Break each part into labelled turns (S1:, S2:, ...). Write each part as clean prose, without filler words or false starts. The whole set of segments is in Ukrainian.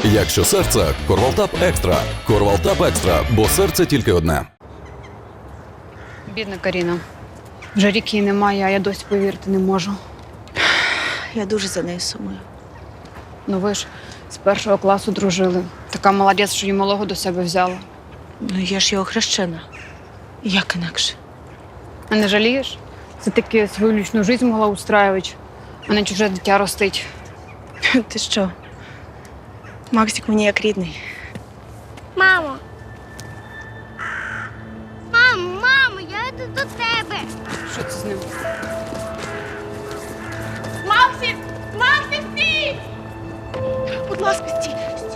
S1: Якщо серце – Корвалтап Екстра. Корвалтап Екстра, бо серце тільки одне.
S2: Бідна Каріна. Вже рік її немає, а я досі повірити не можу.
S3: Я дуже за нею сумую.
S2: Ну ви ж з першого класу дружили. Така молодець, що її малого до себе взяла.
S3: Ну, я ж його хрещена. Як інакше?
S2: А не жалієш? Це таки свою лічну життя могла устраювати, а не чуже дитя ростить.
S3: Ти що? Максик мені як рідний.
S4: Мамо! Мамо, я йду до тебе!
S2: Що це з ним?
S3: Максик! Максик, стій! Будь ласка, стій!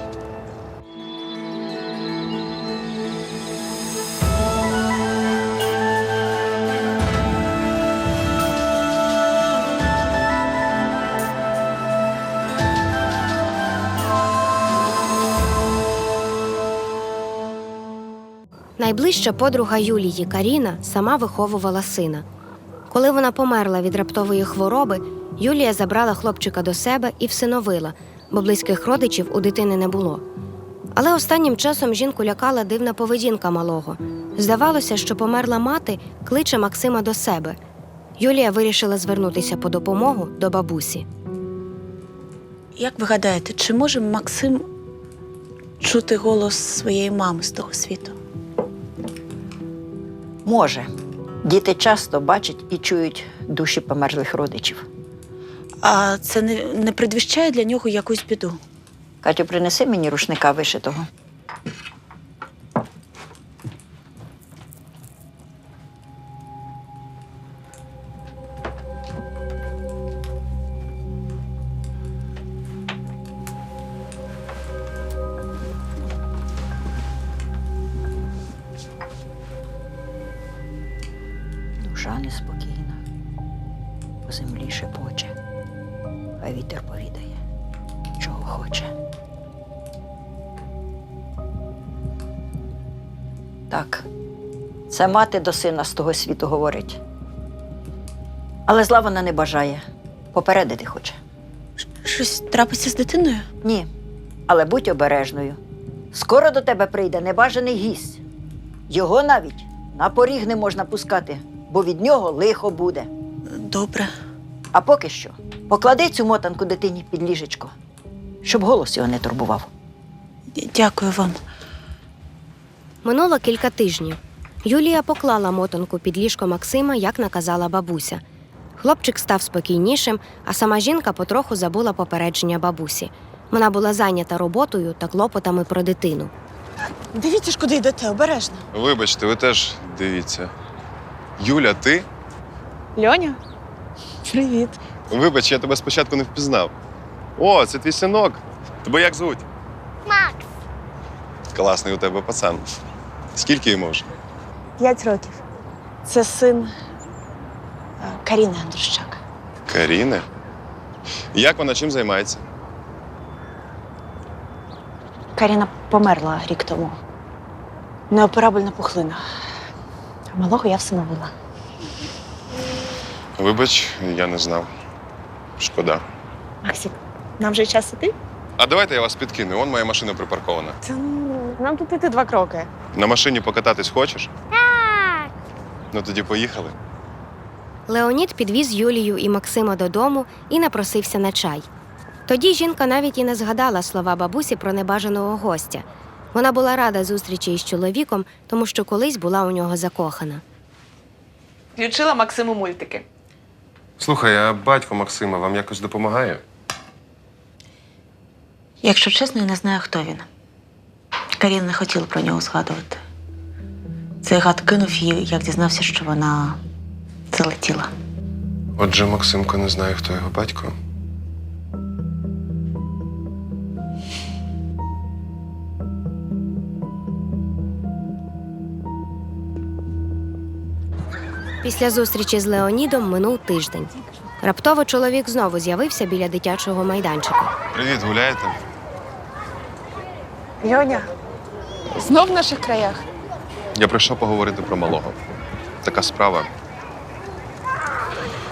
S5: Найближча подруга Юлії Каріна сама виховувала сина. Коли вона померла від раптової хвороби, Юлія забрала хлопчика до себе і всиновила, бо близьких родичів у дитини не було. Але останнім часом жінку лякала дивна поведінка малого. Здавалося, що померла мати кличе Максима до себе. Юлія вирішила звернутися по допомогу до бабусі.
S3: Як ви гадаєте, чи може Максим чути голос своєї мами з того світу?
S6: Може. Діти часто бачать і чують душі померлих родичів.
S3: А це не предвіщає для нього якусь біду?
S6: Катю, принеси мені рушника вишитого. Душа неспокійна, по землі шепоче, а вітер повідає, чого хоче. Так, це мати до сина з того світу говорить. Але зла вона не бажає, попередити хоче.
S3: Щось трапиться з дитиною?
S6: Ні, але будь обережною. Скоро до тебе прийде небажаний гість. Його навіть на поріг не можна пускати, бо від нього лихо буде.
S3: Добре.
S6: А поки що поклади цю мотанку дитині під ліжечко, щоб голос його не турбував.
S3: Дякую вам.
S5: Минуло кілька тижнів. Юлія поклала мотанку під ліжко Максима, як наказала бабуся. Хлопчик став спокійнішим, а сама жінка потроху забула попередження бабусі. Вона була зайнята роботою та клопотами про дитину.
S3: Дивіться ж, куди йдете, обережно.
S7: Вибачте, ви теж дивіться. Юля, ти?
S3: Льоня? Привіт.
S7: Вибач, я тебе спочатку не впізнав. О, це твій синок. Тебе як звуть?
S4: Макс!
S7: Класний у тебе пацан. Скільки йому вже?
S3: 5 років. Це син Каріни Андрущак.
S7: Каріни? Як вона чим займається?
S3: Каріна померла рік тому. Неоперабельна пухлина. А малого я всиновила.
S7: Вибач, я не знав. Шкода.
S3: Максик, нам вже час іти?
S7: А давайте я вас підкину. Вон моя машина припаркована.
S3: Та нам тут іти 2 кроки.
S7: На машині покататись хочеш?
S4: Так!
S7: Ну тоді поїхали.
S5: Леонід підвіз Юлію і Максима додому і напросився на чай. Тоді жінка навіть і не згадала слова бабусі про небажаного гостя. Вона була рада зустрічі із чоловіком, тому що колись була у нього закохана.
S8: Включила Максиму мультики.
S7: Слухай, а батько Максима вам якось допомагає?
S3: Якщо чесно, я не знаю, хто він. Каріна не хотіла про нього згадувати. Цей гад кинув її, як дізнався, що вона залетіла.
S7: Отже, Максимко не знає, хто його батько.
S5: Після зустрічі з Леонідом минув тиждень. Раптово чоловік знову з'явився біля дитячого майданчика.
S7: Привіт, гуляєте?
S8: Льоня, знов в наших краях?
S7: Я прийшов поговорити про малого. Така справа.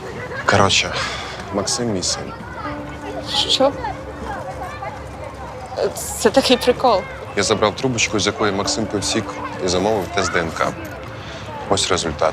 S7: Коротше, Максим мій син.
S8: Що? Це такий прикол.
S7: Я забрав трубочку, з якої Максим пив сік, і замовив тест ДНК. Ось результат.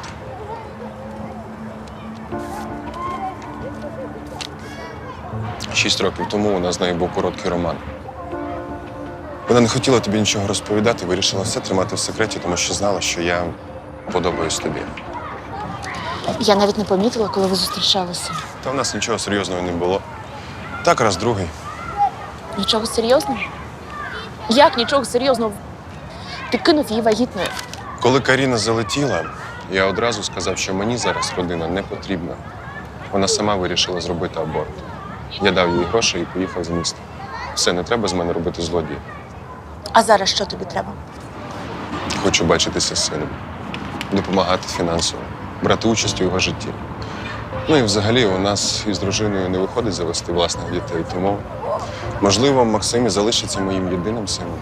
S7: Шість років тому у нас з нею був короткий роман. Вона не хотіла тобі нічого розповідати, вирішила все тримати в секреті, тому що знала, що я подобаюсь тобі.
S8: Я навіть не помітила, коли ви зустрічалися.
S7: Та в нас нічого серйозного не було. Так, раз другий.
S8: Нічого серйозного? Як нічого серйозного? Ти кинув її вагітною.
S7: Коли Каріна залетіла, я одразу сказав, що мені зараз родина не потрібна. Вона сама вирішила зробити аборт. Я дав їй гроші і поїхав з міста. Все, не треба з мене робити злодія.
S8: А зараз що тобі треба?
S7: Хочу бачитися з сином, допомагати фінансово, брати участь у його житті. Ну і взагалі у нас із дружиною не виходить завести власних дітей, тому, можливо, Максим і залишиться моїм єдиним сином.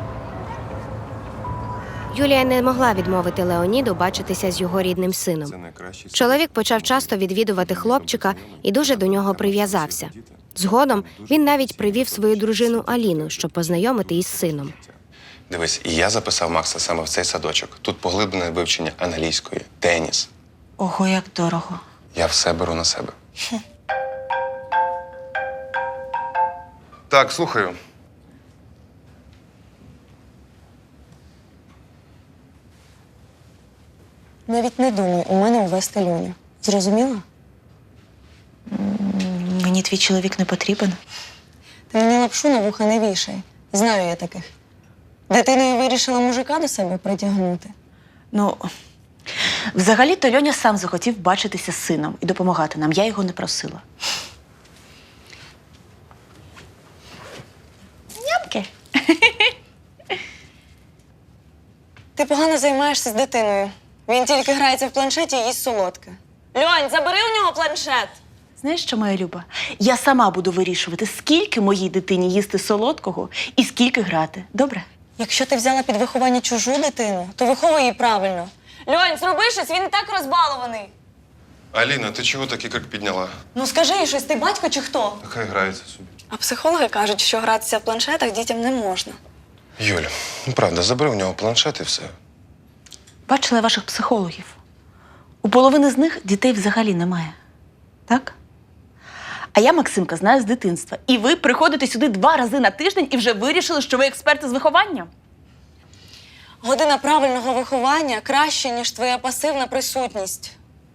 S5: Юлія не могла відмовити Леоніду бачитися з його рідним сином.
S7: Це найкращий
S5: Чоловік почав часто відвідувати хлопчика і дуже до нього прив'язався. Згодом він навіть привів свою дружину Аліну, щоб познайомити із сином.
S7: Дивись, і я записав Макса саме в цей садочок. Тут поглиблене вивчення англійської, теніс.
S3: Ого, як дорого.
S7: Я все беру на себе. Так, слухаю.
S9: Навіть не думай у мене ввести Льоню. Зрозуміла?
S3: Мені твій чоловік не потрібен.
S9: Ти мені лапшу на вуха не вішай. Знаю я таких. Дитиною вирішила мужика до себе притягнути.
S3: Ну, взагалі-то Льоня сам захотів бачитися з сином і допомагати нам. Я його не просила. Нямки.
S9: Ти погано займаєшся з дитиною. Він тільки грається в планшеті і їсть солодке. Льонь, забери у нього планшет!
S3: Знаєш що, моя Люба? Я сама буду вирішувати, скільки моїй дитині їсти солодкого і скільки грати. Добре?
S9: Якщо ти взяла під виховання чужу дитину, то виховуй її правильно. Льонь, зроби щось, він і так розбалований.
S7: Аліна, ти чого такий крик підняла?
S9: Ну скажи їй щось, ти батько чи хто?
S7: Нехай грається собі.
S9: А психологи кажуть, що гратися в планшетах дітям не можна.
S7: Юль, ну правда, забери в нього планшет і все.
S3: Бачила ваших психологів. У половини з них дітей взагалі немає. Так? А я Максимка знаю з дитинства. І ви приходите сюди 2 рази на тиждень і вже вирішили, що ви експерти з виховання?
S9: Година правильного виховання краще, ніж твоя пасивна присутність.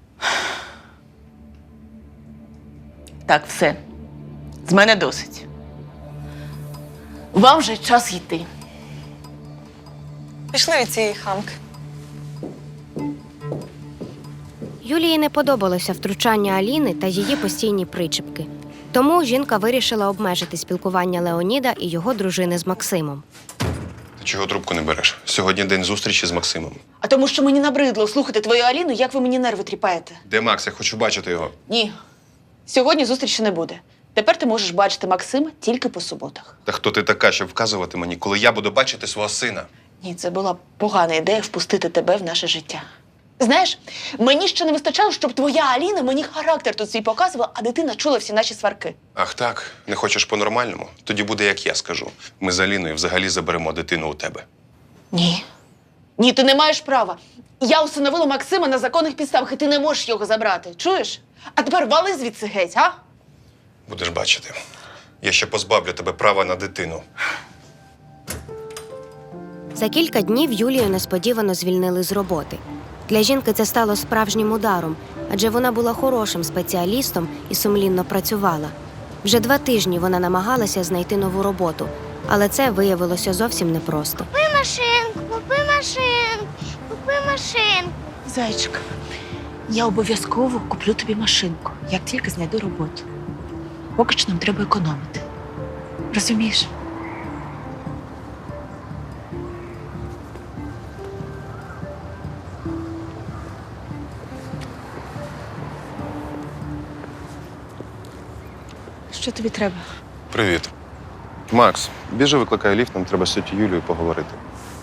S3: Так, все. З мене досить. Вам вже час йти.
S9: Пішли від цієї хамки.
S5: Юлії не подобалося втручання Аліни та її постійні причепки. Тому жінка вирішила обмежити спілкування Леоніда і його дружини з Максимом.
S7: Ти чого трубку не береш? Сьогодні день зустрічі з Максимом.
S3: А тому, що мені набридло слухати твою Аліну, як ви мені нерви тріпаєте.
S7: Де Макс? Я хочу бачити його.
S3: Ні. Сьогодні зустрічі не буде. Тепер ти можеш бачити Максима тільки по суботах.
S7: Та хто ти така, щоб вказувати мені, коли я буду бачити свого сина?
S3: Ні, це була погана ідея впустити тебе в наше життя. Знаєш, мені ще не вистачало, щоб твоя Аліна мені характер тут свій показувала, а дитина чула всі наші сварки.
S7: Ах так? Не хочеш по-нормальному? Тоді буде, як я скажу. Ми з Аліною взагалі заберемо дитину у тебе.
S3: Ні. Ні, ти не маєш права. Я усиновила Максима на законних підставах, і ти не можеш його забрати. Чуєш? А тепер вали звідси геть, а?
S7: Будеш бачити. Я ще позбавлю тебе права на дитину.
S5: За кілька днів Юлію несподівано звільнили з роботи. Для жінки це стало справжнім ударом, адже вона була хорошим спеціалістом і сумлінно працювала. Вже 2 тижні вона намагалася знайти нову роботу, але це виявилося зовсім непросто.
S4: Купи машинку, купи машинку, купи машинку.
S3: Зайчик, я обов'язково куплю тобі машинку, як тільки знайду роботу. Поки що нам треба економити. Розумієш? Що тобі треба?
S7: Привіт. Макс, біжи, викликай ліфт, нам треба з тітю Юлією поговорити.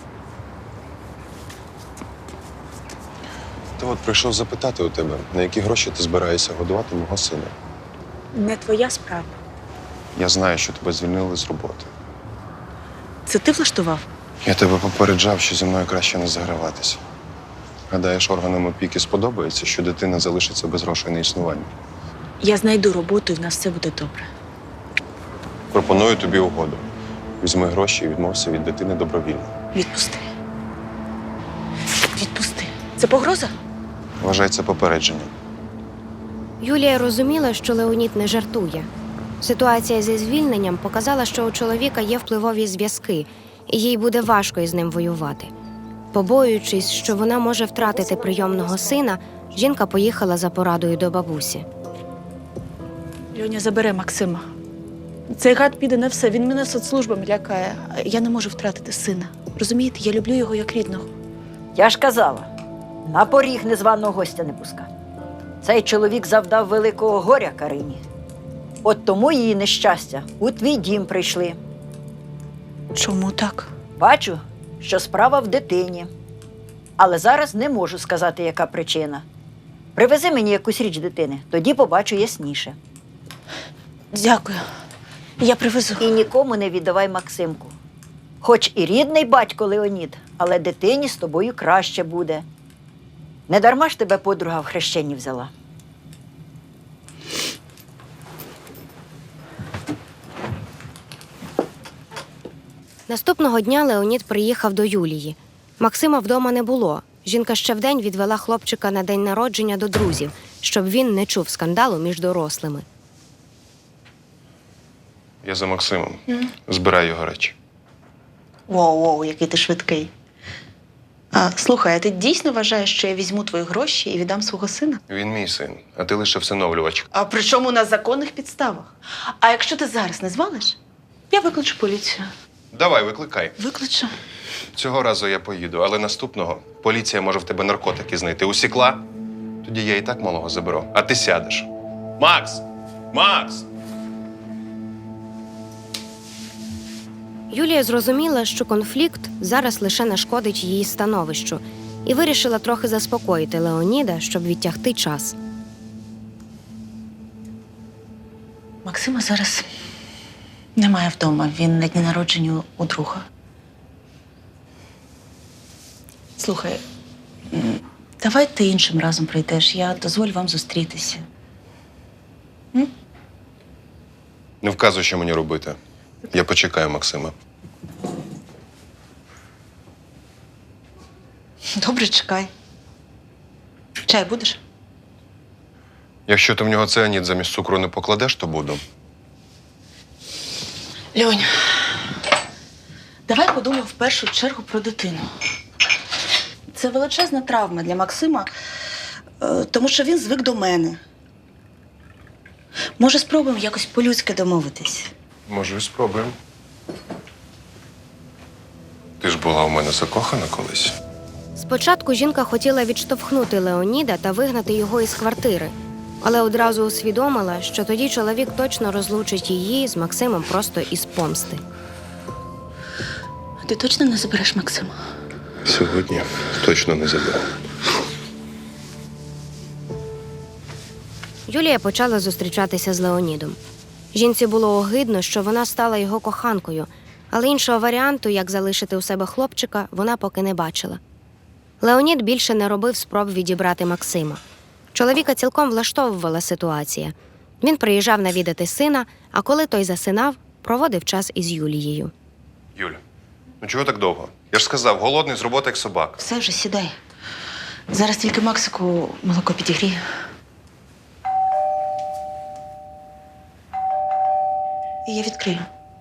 S7: Та от прийшов запитати у тебе, на які гроші ти збираєшся годувати мого сина.
S3: Не твоя справа.
S7: Я знаю, що тебе звільнили з роботи.
S3: Це ти влаштував?
S7: Я тебе попереджав, що зі мною краще не заграватися. Гадаєш, органам опіки сподобається, що дитина залишиться без грошей на існування.
S3: Я знайду роботу і в нас все буде добре.
S7: Пропоную тобі угоду. Візьми гроші і відмовся від дитини добровільно.
S3: Відпусти. Відпусти. Це погроза?
S7: Вважай це попередженням.
S5: Юлія розуміла, що Леонід не жартує. Ситуація зі звільненням показала, що у чоловіка є впливові зв'язки, і їй буде важко із ним воювати. Побоюючись, що вона може втратити прийомного сина, жінка поїхала за порадою до бабусі.
S3: Льоня забере Максима. Цей гад піде на все, він мене соцслужбами лякає. Я не можу втратити сина. Розумієте, я люблю його як рідного.
S6: Я ж казала, на поріг незваного гостя не пускати. Цей чоловік завдав великого горя Карині. От тому її нещастя у твій дім прийшли.
S3: Чому так?
S6: Бачу, що справа в дитині. Але зараз не можу сказати, яка причина. Привези мені якусь річ дитини, тоді побачу ясніше.
S3: Дякую. Я привезу.
S6: І нікому не віддавай Максимку. Хоч і рідний батько Леонід, але дитині з тобою краще буде. Не дарма ж тебе подруга в хрещенні взяла.
S5: Наступного дня Леонід приїхав до Юлії. Максима вдома не було. Жінка ще вдень відвела хлопчика на день народження до друзів, щоб він не чув скандалу між дорослими.
S7: Я за Максимом. Збирай його речі.
S3: Воу, який ти швидкий. Слухай, а ти дійсно вважаєш, що я візьму твої гроші і віддам свого сина?
S7: Він мій син, а ти лише всиновлювач.
S3: А причому на законних підставах. А якщо ти зараз не звалиш, я викличу поліцію.
S7: Давай, викликай.
S3: Викличу.
S7: Цього разу я поїду, але наступного поліція може в тебе наркотики знайти. Усікла? Тоді я і так малого заберу. А ти сядеш. Макс! Макс!
S5: Юлія зрозуміла, що конфлікт зараз лише нашкодить її становищу, і вирішила трохи заспокоїти Леоніда, щоб відтягти час.
S3: Максима зараз немає вдома. Він на дні народження у друга. Слухай, давай ти іншим разом прийдеш. Я дозволю вам зустрітися.
S7: Не вказуй, що мені робити. Я почекаю Максима.
S3: Добре, чекай. Чай будеш?
S7: Якщо ти в нього цианід замість цукру не покладеш, то буду.
S3: Льонь, давай подумаємо в першу чергу про дитину. Це величезна травма для Максима, тому що він звик до мене. Може, спробуємо якось по-людськи домовитись?
S7: Може, і спробуємо. Ти ж була у мене закохана колись.
S5: Спочатку жінка хотіла відштовхнути Леоніда та вигнати його із квартири, але одразу усвідомила, що тоді чоловік точно розлучить її з Максимом просто із помсти.
S3: Ти точно не забереш Максима?
S7: Сьогодні точно не заберу.
S5: Юлія почала зустрічатися з Леонідом. Жінці було огидно, що вона стала його коханкою, але іншого варіанту, як залишити у себе хлопчика, вона поки не бачила. Леонід більше не робив спроб відібрати Максима. Чоловіка цілком влаштовувала ситуація. Він приїжджав навідати сина, а коли той засинав, проводив час із Юлією.
S7: Юля, ну чого так довго? Я ж сказав, голодний з роботи як собака.
S3: Все вже, сідай. Зараз тільки Максику молоко підігрію. І я відкрию.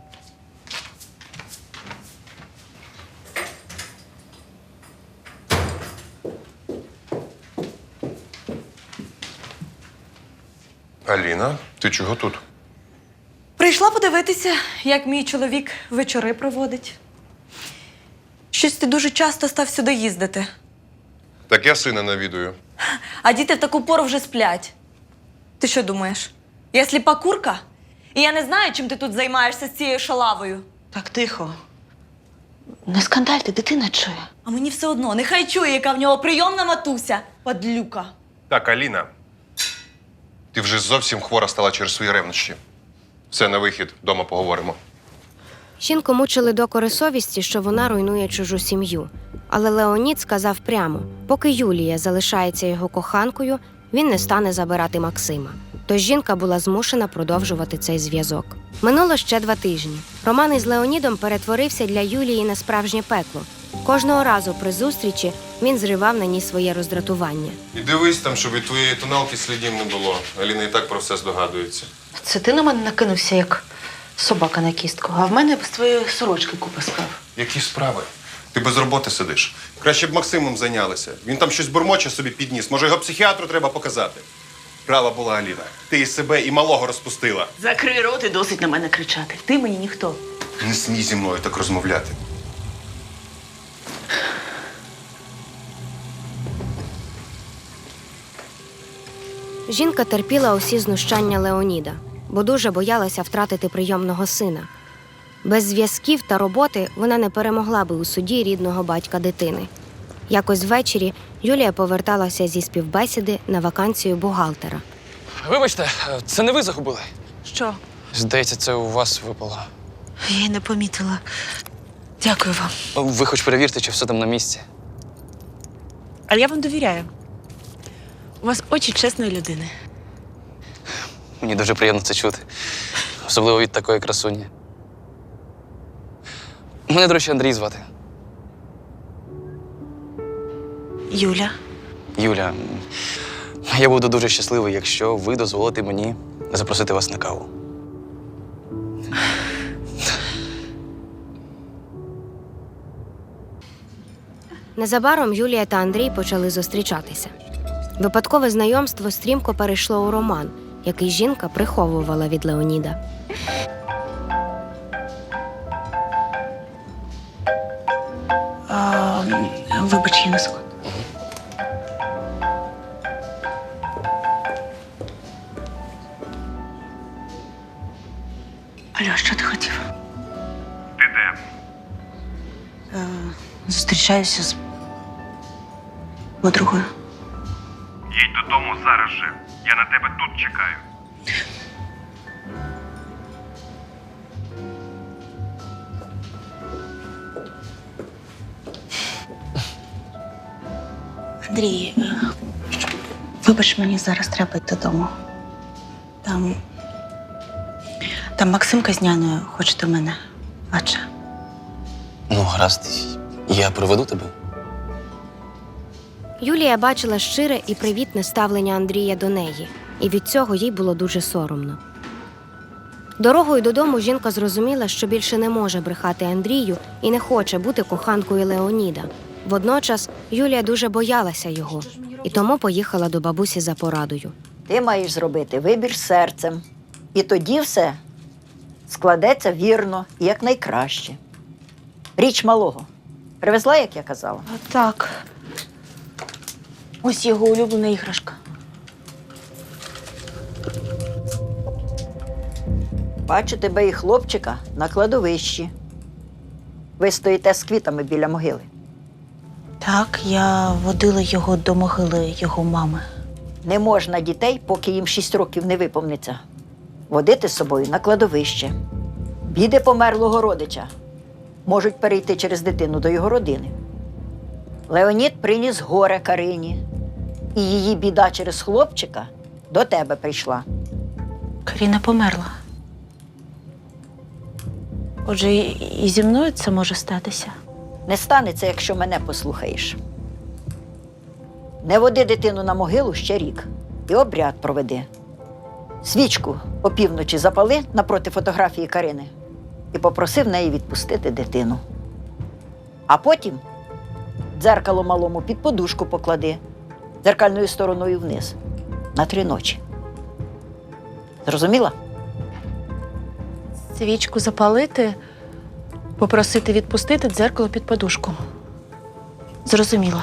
S7: Аліна, ти чого тут?
S9: Прийшла подивитися, як мій чоловік вечори проводить. Щось ти дуже часто став сюди їздити.
S7: Так я сина навідую.
S9: А діти в таку пору вже сплять. Ти що думаєш? Я сліпа курка? І я не знаю, чим ти тут займаєшся з цією шалавою.
S3: Так, тихо. Не скандальте, дитина чує.
S9: А мені все одно, нехай чує, яка в нього прийомна матуся. Падлюка.
S7: Так, Аліна, ти вже зовсім хвора стала через свої ревнощі. Все, на вихід, вдома поговоримо.
S5: Жінку мучили докори совісті, що вона руйнує чужу сім'ю. Але Леонід сказав прямо, поки Юлія залишається його коханкою, він не стане забирати Максима. Тож жінка була змушена продовжувати цей зв'язок. Минуло ще 2 тижні. Роман із Леонідом перетворився для Юлії на справжнє пекло. Кожного разу при зустрічі він зривав на ній своє роздратування.
S7: І дивись там, щоб від твоєї тоналки слідів не було. Аліна і так про все здогадується.
S3: Це ти на мене накинувся, як собака на кістку, а в мене без твоєї сорочки купа справ.
S7: Які справи? Ти без роботи сидиш. Краще б Максимом зайнялися. Він там щось бурмоче собі підніс. Може, його психіатру треба показати. Права була Аліна. Ти і себе, і малого розпустила.
S3: Закрий рот і досить на мене кричати. Ти мені ніхто.
S7: Не смій зі мною так розмовляти.
S5: Жінка терпіла усі знущання Леоніда, бо дуже боялася втратити прийомного сина. Без зв'язків та роботи вона не перемогла би у суді рідного батька дитини. Якось ввечері Юлія поверталася зі співбесіди на вакансію бухгалтера.
S10: Вибачте, це не ви загубили?
S3: Що?
S10: Здається, це у вас випало.
S3: Я й не помітила. Дякую вам.
S10: Ви хоч перевірте, чи все там на місці.
S3: Але я вам довіряю. У вас очі чесної людини.
S10: Мені дуже приємно це чути. Особливо від такої красуні. Мене, до речі, Андрій звати.
S3: Юля.
S10: Юля, я буду дуже щасливий, якщо ви дозволите мені запросити вас на каву.
S5: Незабаром Юлія та Андрій почали зустрічатися. Випадкове знайомство стрімко перейшло у роман, який жінка приховувала від Леоніда.
S3: Вибач, я на секунду. Алло, що ти хотів?
S11: Ти де?
S3: Зустрічаюся з подругою.
S11: Їдь додому зараз же. Я на тебе тут чекаю.
S3: Андрій, вибач, мені зараз треба йти додому. Там Максимка з няною хоче до мене. Бача.
S10: Ну, гаразд, я проведу тебе.
S5: Юлія бачила щире і привітне ставлення Андрія до неї, і від цього їй було дуже соромно. Дорогою додому жінка зрозуміла, що більше не може брехати Андрію і не хоче бути коханкою Леоніда. Водночас Юлія дуже боялася його, і тому поїхала до бабусі за порадою.
S6: Ти маєш зробити вибір серцем. І тоді все складеться вірно і якнайкраще. Річ малого. Привезла, як я казала?
S3: Так. Ось його улюблена іграшка.
S6: Бачу тебе і хлопчика на кладовищі. Ви стоїте з квітами біля могили.
S3: Так, я водила його до могили його мами.
S6: Не можна дітей, поки їм 6 років не виповниться, водити з собою на кладовище. Біди померлого родича можуть перейти через дитину до його родини. Леонід приніс горе Карині, і її біда через хлопчика до тебе прийшла.
S3: Каріна померла. Отже, і зі мною це може статися.
S6: Не станеться, якщо мене послухаєш. Не води дитину на могилу ще рік і обряд проведи. Свічку опівночі запали напроти фотографії Карини і попросив неї відпустити дитину. А потім дзеркало малому під подушку поклади, дзеркальною стороною вниз, на 3 ночі. Зрозуміла?
S3: Свічку запалити, попросити відпустити дзеркало під подушку. Зрозуміла.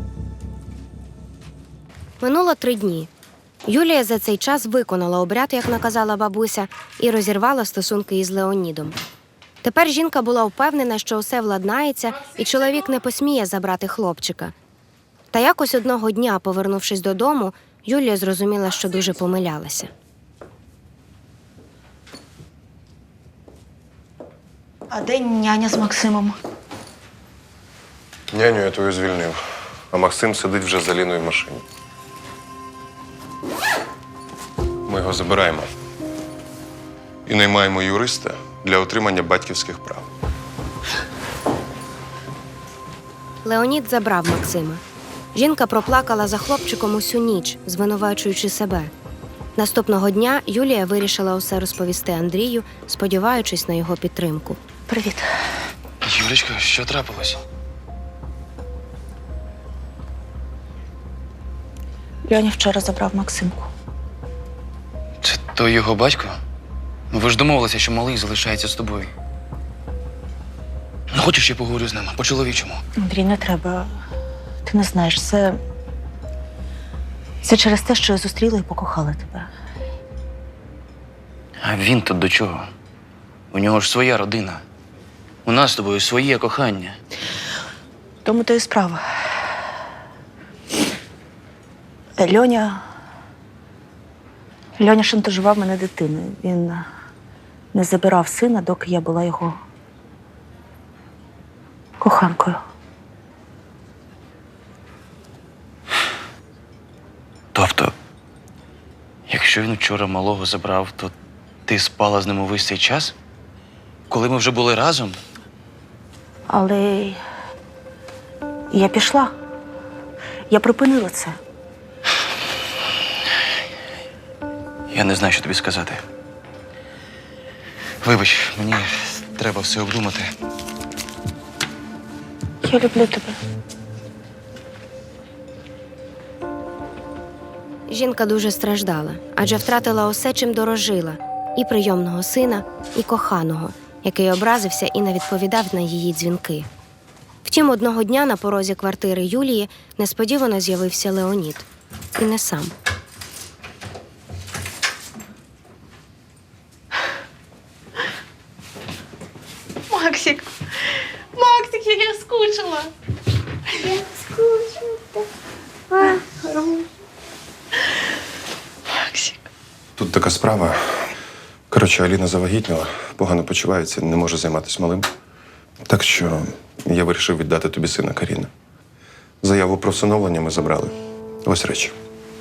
S5: Минуло 3 дні. Юлія за цей час виконала обряд, як наказала бабуся, і розірвала стосунки із Леонідом. Тепер жінка була впевнена, що усе владнається, і чоловік не посміє забрати хлопчика. Та якось одного дня, повернувшись додому, Юлія зрозуміла, що дуже помилялася.
S3: А де няня з Максимом?
S7: Няню я твою звільнив, а Максим сидить вже з Аліною в машині. Ми його забираємо і наймаємо юриста для отримання батьківських прав.
S5: Леонід забрав Максима. Жінка проплакала за хлопчиком усю ніч, звинувачуючи себе. Наступного дня Юлія вирішила усе розповісти Андрію, сподіваючись на його підтримку.
S3: Привіт.
S10: Юлечко, що трапилось?
S3: Льоня вчора забрав Максимку.
S10: Це той його батько? Ну, ви ж домовилися, що малий залишається з тобою. Ну, хочеш, я поговорю з ними по-чоловічому?
S3: Андрій, не треба. Ти не знаєш, це через те, що я зустріла і покохала тебе.
S10: А він тут до чого? У нього ж своя родина. У нас з тобою своє кохання.
S3: Тому то і справа. Льоня шантажував мене дитиною. Він не забирав сина, доки я була його коханкою.
S10: Тобто, якщо він вчора малого забрав, то ти спала з ним увесь цей час? Коли ми вже були разом?
S3: Але я пішла. Я припинила це.
S10: Я не знаю, що тобі сказати. Вибач, мені треба все обдумати.
S3: Я люблю тебе.
S5: Жінка дуже страждала, адже втратила усе, чим дорожила – і прийомного сина, і коханого, який образився і не відповідав на її дзвінки. Втім, одного дня на порозі квартири Юлії несподівано з'явився Леонід. І не сам.
S9: Максик! Максик, як я скучила! Максик.
S7: Тут така справа. Коротше, Аліна завагітніла, погано почувається, не може займатися малим. Так що я вирішив віддати тобі сина Каріна. Заяву про всиновлення ми забрали. Ось речі.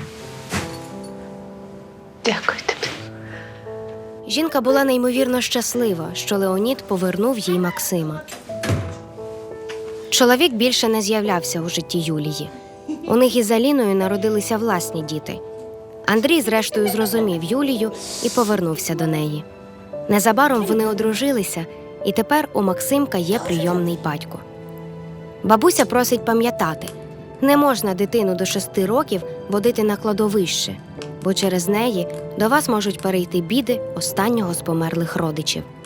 S3: Дякую тобі.
S5: Жінка була неймовірно щаслива, що Леонід повернув їй Максима. Чоловік більше не з'являвся у житті Юлії. У них із Аліною народилися власні діти. Андрій, зрештою, зрозумів Юлію і повернувся до неї. Незабаром вони одружилися, і тепер у Максимка є прийомний батько. Бабуся просить пам'ятати, не можна дитину до 6 років водити на кладовище, бо через неї до вас можуть перейти біди останнього з померлих родичів.